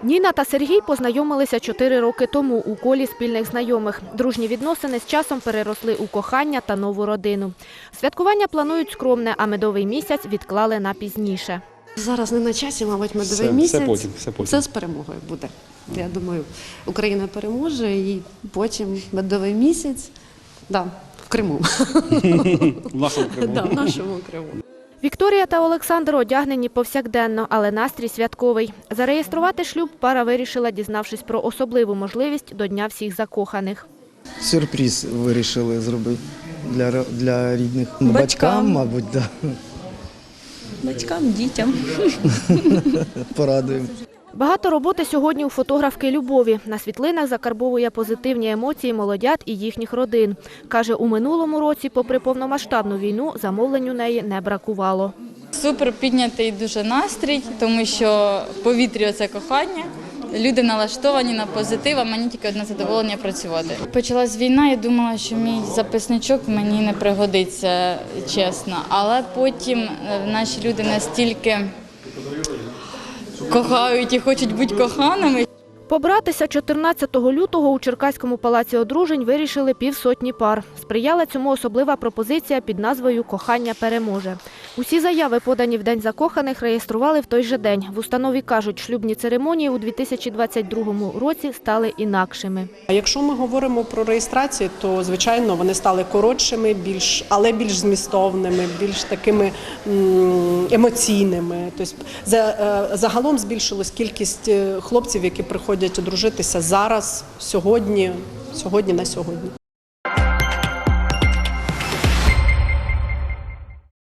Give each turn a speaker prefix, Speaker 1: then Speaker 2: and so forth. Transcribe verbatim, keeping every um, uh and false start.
Speaker 1: Ніна та Сергій познайомилися чотири роки тому у колі спільних знайомих. Дружні відносини з часом переросли у кохання та нову родину. Святкування планують скромне, а медовий місяць відклали на пізніше.
Speaker 2: Зараз не на часі, мабуть, медовий
Speaker 3: все,
Speaker 2: місяць.
Speaker 3: Все потім, все потім.
Speaker 2: Все з перемогою буде. Я думаю, Україна переможе і потім медовий місяць, да, в Криму.
Speaker 3: В нашому Криму.
Speaker 2: Да, в нашому Криму.
Speaker 1: Вікторія та Олександр одягнені повсякденно, але настрій святковий. Зареєструвати шлюб пара вирішила, дізнавшись про особливу можливість до Дня всіх закоханих.
Speaker 4: Сюрприз вирішили зробити для, для рідних.
Speaker 5: Батькам.
Speaker 4: Батькам, мабуть, да.
Speaker 5: Батькам, дітям.
Speaker 4: Порадуємо.
Speaker 1: Багато роботи сьогодні у фотографки Любові. На світлинах закарбовує позитивні емоції молодят і їхніх родин. Каже, у минулому році, попри повномасштабну війну, замовлень у неї не бракувало.
Speaker 6: Супер піднятий дуже настрій, тому що в повітрі – це кохання. Люди налаштовані на позитив, а мені тільки одне задоволення працювати. Почалась війна, я думала, що мій записничок мені не пригодиться, чесно. Але потім наші люди настільки кохають і хочуть бути коханими.
Speaker 1: Побратися чотирнадцятого лютого у Черкаському палаці одружень вирішили півсотні пар. Сприяла цьому особлива пропозиція під назвою «Кохання переможе». Усі заяви, подані в День закоханих, реєстрували в той же день. В установі кажуть, шлюбні церемонії у дві тисячі двадцять другому році стали інакшими.
Speaker 7: А якщо ми говоримо про реєстрацію, то, звичайно, вони стали коротшими, більш, але більш змістовними, більш такими м, емоційними. Тобто, за, загалом збільшилась кількість хлопців, які приходять одружитися зараз, сьогодні, сьогодні на сьогодні.